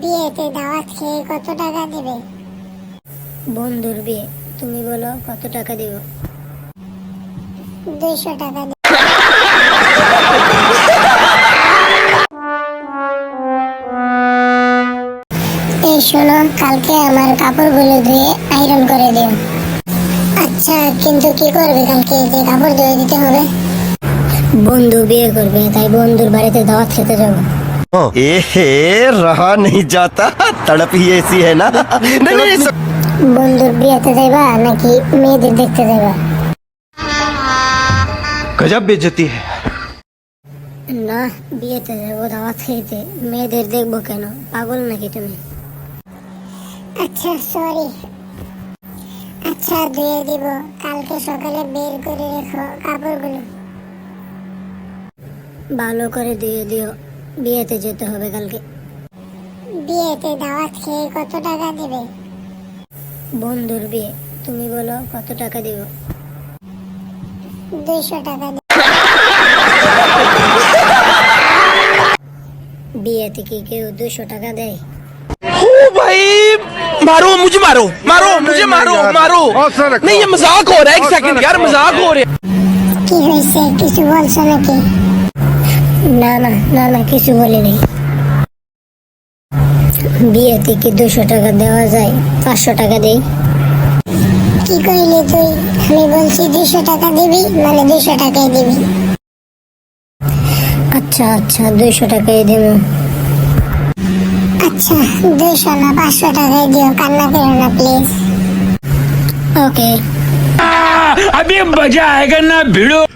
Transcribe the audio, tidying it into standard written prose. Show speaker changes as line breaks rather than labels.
বিয়েতে দাওয়াত খেয়ে কত টাকা দেবে?
বন্ধুর বিয়ে, তুমি বলো কত টাকা দিব?
200 টাকা দেবে। এই শোনো, কালকে আমার কাপড়গুলো ধুয়ে আয়রন করে দিও। আচ্ছা, কিন্তু কি করবে কালকে যে কাপড় ধুয়ে দিতে হবে?
বন্ধু বিয়ে করবে, তাই বন্ধুর বাড়িতে দাওয়াত খেতে যাবো।
एहे रहा नहीं जाता, तड़प ही ऐसी है ना। नहीं नहीं
বন্ধুর বিয়েতে যাইবা নাকি মেয়েদের দেখতে যাইবা?
गजब बेइज्जती है।
না, বিয়েতে যাবো দাওয়াত খেতে, মেয়েদের দেখবো কেন? পাগল নাকি তুমি?
আচ্ছা সরি। আচ্ছা ধুয়ে দিব, কালকে সকালে বের করে রেখো কাপড়গুলো।
ভালো করে দিয়ে দিও, বিয়েতে যেতে হবে কালকে।
বিয়েতে দাওয়াত খেয়ে কত টাকা দেবে?
বন্ধুর বিয়ে, তুমি বলো কত টাকা দিব?
200 টাকা দেবে।
বিয়েতে কি কেউ 200 টাকা দেয়?
ओ भाई मारो मुझे, मारो मारो मुझे, मारो मारो। नहीं ये मजाक हो रहा है, एक सेकंड यार, मजाक हो रहा है।
কি হয়েছে, কিছু বলছো নাকি?
না না না না, কিছু বলিনি। বিয়েতে কি 200 টাকা দেওয়া যায়? 500 টাকা দেই।
কি কইলি তুই? আমি বলছি 200 টাকা দিবি, মানে 200 টাকাই দিবি।
আচ্ছা আচ্ছা, 200 টাকাই দেবো।
আচ্ছা 200 না 500 টাকাই দিও, কান্না করো না প্লিজ।
ওকে।
अभी मजा आएगा ना भिड़ो।